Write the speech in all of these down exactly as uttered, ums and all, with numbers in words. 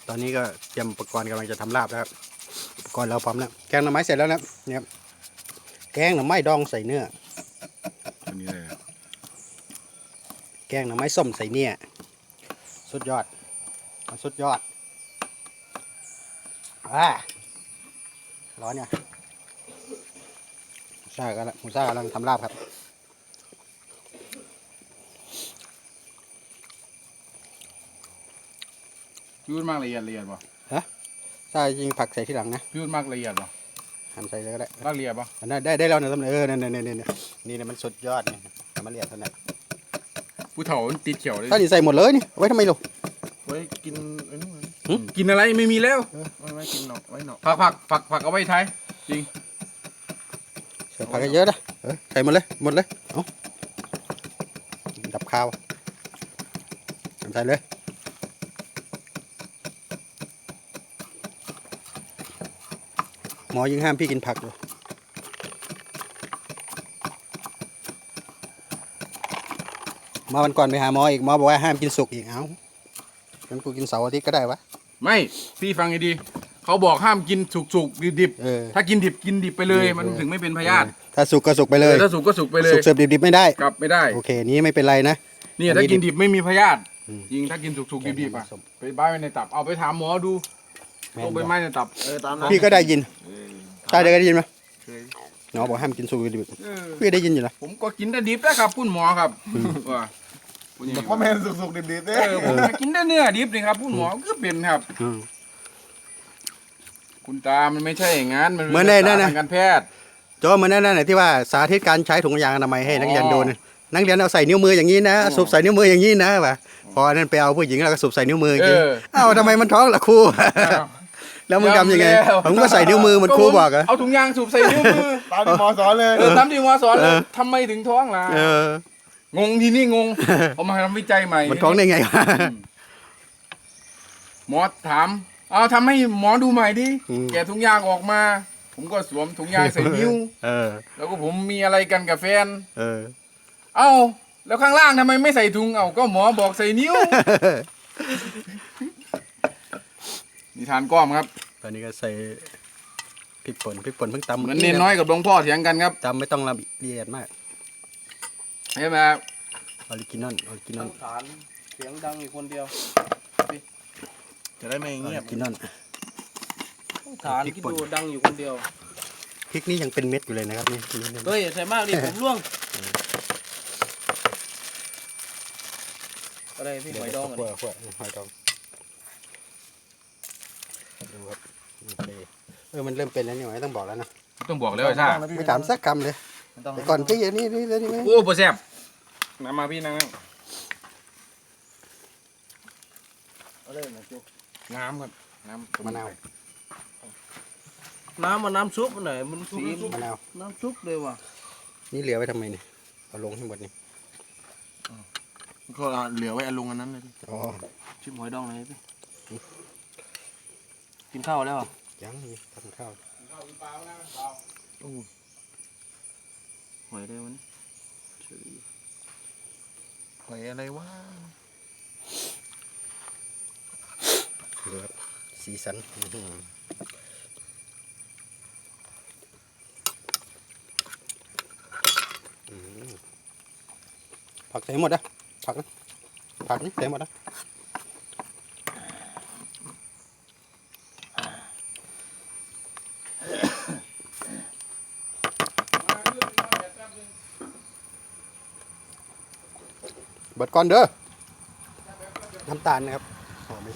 ตอนนี้ก็เตรียมอุปกรณ์กำลังจะทำลาบแล้วครับอุปกรณ์เราพร้อมแล้วแกงหน่อไม้เสร็จแล้วนะเนี่ยครับแกงหน่อไม้ดองใส่เนื้ออันนี้เลยแกงหน่อไม้ส้มใส่เนื้อสุดยอดสุดยอดอ่าร้อนเนี่ยหมูซ่ากำลังหมูซ่ากำลังทำลาบครับพี่พูดมากละเอียดละเอียดป่ะซ่าจริงผักใส่ที่หลังนะพี่พูดมากละเอียดป่ะหั่นใส่เลยก็ได้มากละเอียดป่ะได้ได้ได้แล้วนะสำเร็จเออเนี่ยเนี่ยเนี่ยเนี่ยนี่เนี่ยมันสุดยอดเนี่ยทำมาเรียดเท่านั้นผู้เฒ่ามันติดเขียวเลยถ้านี่ใส่หมดเลยนี่เอาไว้ทำไมลูกไว้กินไอ้นู่นหึกินอะไรไม่มีแล้วไว้ไว้กินหนอกไว้หนอกผักผักผักผักเอาไว้ท้ายจริงใส่ผักเยอะๆนะเออใส่หมดเลยหมดเลยเอาดับข้าวใส่เลยหมอยังห้ามพี่กินผักเลยมาวันก่อนไปหาหมออีกหมอบอกว่าห้ามกินสุกอีกเอ้างั้นกูกินเสาร์อาทิตย์ก็ได้วะไม่พี่ฟังให้ดีเขาบอกห้ามกินสุกสุกดิบดิบเออถ้ากินดิบกินดิบไปเลยมันถึงไม่เป็นพยาธิถ้าสุกก็สุกไปเลยถ้าสุกก็สุกไปเลยสุกเสิร์ฟดิบๆไม่ได้กลับไม่ได้โอเคนี้ไม่เป็นไรนะนี่อันนี้ถ้ากินดิบไม่มีพยาธิอืมจริงถ้ากินสุกสุกดิบดิบๆอะส้มไปบ้านไว้ในตับเอาไปถามหมอดูแม่โรนคใบบอกไม้ในตับเออตามนั้นพี่ก็ได้ยินเออใช่ได้ยินไหมเคยหมอบอกห้ามกินสุกดิบเออพี่ได้ยินอยู่นะผมก็กินแต่ดิบนะครับคุณหมอครับว่าคุณอย่างนี้พ่อแม่สุกๆดิบๆเอเด้อผมกินแต่เนื้อดิบนี่ครับคุณหมอก็เป็นครับอืมคุณตามันไม่ใช่อย่างนั้นมันเหมือนในนั่นน่ะทางการแพทย์โจเหมือนนั่นน่ะที่ว่าสาธิตการใช้ถุงยางอนามัยให้นักเรียนอ๋อดูนะนักเรียนเอาใส่นิ้วมืออย่างนี้นะอ๋อสูบใส่นิ้วมืออย่างนี้นะว่ะพอนั่นไปเอาผู้หญิงแล้วก็สูบใส่นิ้วมืออย่างนี้เออเอ้าทำไมมันท้องล่ะครูอ้าวแล้วมึงทำยังไงแล้วผมก็ใส่นิ้วมือเหมันครูบอกเหรอเอาถุงยางสูบใส่นิ้วมือตามที่หมอสอนเลยเออตามที่หมอสอนเลเอย อทำไมถึงท้องล่ะเอองงทีนี่งงเอามาทำวิจัยใหม่มันท้องได้ไงวะหมอถามเอาทำให้หมอดูใหม่ดิอืมแกะถุงยางออกมา ผมก็สวมถุงยางใส่นิ้วเออแล้วก็ผมมีอะไรกันกับแฟนเออเอ้าแล้วข้างล่างทำไมไม่ใส่ถุงเอ้าก็หมอบอกใส่นิ้วนิทานก้อมครับตอนนี้ก็ใส่พริกป่นพริกป่นเพิ่งตำเหมือนเนนน้อยกับหลวงพ่อเถียงกันครับตำไม่ต้องละเอียดมากใช่ไหมครับออริจินอลออริจินอลฐานเสียงดังอยู่คนเดียวจะได้ไม่ออเงียบริจินอลฐานคิดดูดังอยู่คนเดียวพริกนี่ยังเป็นเม็ดอยู่เลยนะครับนี่นี่นี่เฮ้ยอย่าใส่มากดิผมร่วงอะไรพี่หอยดองขั้วอ่ะขั้วหอยดองดูครับโอเคเออมันเริ่มเป็นแล้วนี่หว่าไม่ต้องบอกแล้วนะต้องบอกแล้วไอ้ซ่าไม่ถามสักคำเลยไม่ต้องแต่ก่อนพี่อันนี้นี่นี่นี่โอ้โหแซ่บน้ำมาพี่นั่งอะไรนะจุ๊น้ำครับน้ำมะนาวน้ำมันน้ำซุปมันไหนมันสีมะนาวน้ำซุปเลยว่ะนี่เหลือไว้ทำไมเนี่ยเอาลงให้หมดนี่ก็เหลือไว้อลุงอันนั้นเลยอ๋อชิมหอยดองเลยพี่กินข้าวแล้วอ่ะยังนี่ทำข้าวหอยได้วันหอยอะไรวะเหลือสีสันอื้อหืออืมผักใส่หมดนะผักนะผักนี่ใส่หมดนะ เบิดก่อนเด้อ น้ำตาลนะครับอ๋อไม่ใช่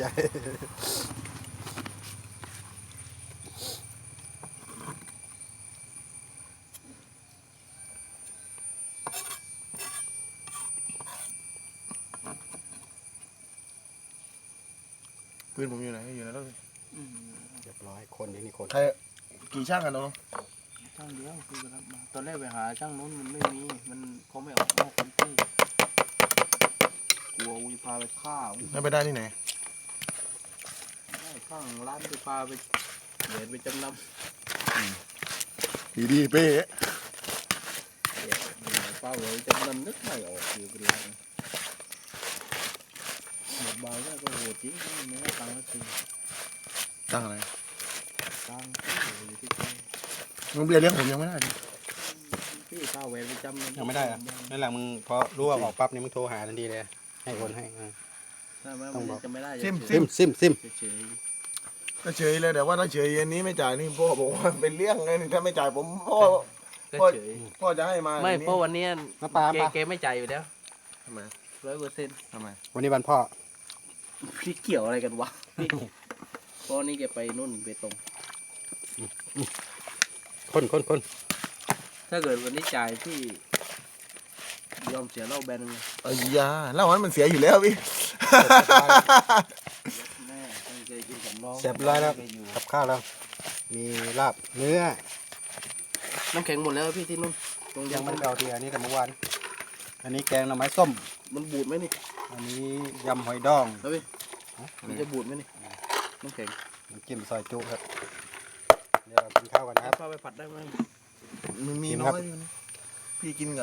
ปืนผมอยู่ไหนอยู่ไหนแล้วเรียบร้อยคนนี่นี่คนใครกี่ช่างกันน้องช่างเดียวคือรับมาตอนแรกไปหาช่างนู้นมันไม่มีมันเขาไม่ออกนอกพื้นที่กลัววิพาไปฆ่าวิแล้วไปได้ที่ไหนได้ข้างร้านไปพาไปเหรียญไปจำนำดีดีเป้เหรียญเป้าเลยจำนำนึกไม่ออกอยู่เป็นไรหมดบาก็ก็โหดจริงไม่ได้ตังค์สักทีตั้งอะไรตั้งอยู่ที่มึงเบียร์เลี้ยงผมยังไม่ได้ดิพี่ข้าวแหวนประจำยังไม่ได้อะนั่นแหละมึงพอรู้ว่าออกปั๊บนี่มึงโทรหาทันทีเลยให้คนให้อ่าถ้ามันจะไม่ได้ซิมซิมซิมเฉยก็เฉยเลยแต่ว่าถ้าเฉยอันนี้ไม่จ่ายนี่พ่อบอกว่าเป็นเลี้ยงไงนี่ถ้าไม่จ่ายผมพ่อก็เฉยพ่อจะให้มาไม่เพราะวันนี้มาปลาเกปลาเกไม่จ่ายอยู่แล้วทำไมร้อยเปอร์เซ็นต์ทำไมวันนี้วันพ่อพี่เกี่ยวอะไรกันวะพี่เพราะนี่แกไปนู่นไปตรงคนคนคนถ้าเกิดวันนี้จ่ายพี่ยอมเสียเหล้าแบนเลยเอ้ยยาเหล้ามันมันเสียอยู่แล้วพี่แม่ตั้งใจกินกับน้องเสร็จร้อยแล้วกับข้าวแล้วมีลาบเนื้อน้ำแข็งหมดแล้วพี่ที่นู่นตรงยังไม่ได้เอาทีอันนี้แต่เมื่อวานอันนี้แกงหน่อไม้ส้มมันบูดไหมนี่อันนี้ยำหอยดองเอาพี่มันจะบูดไหมนี่น้ำแข็งน้ำจิ้มซอยจุครับเดี๋ยวเรากินข้าวกันนะครับพาไปผัดได้ไหมมันมีกินน้ครัอบ ยอยู่นะพี่กินกับ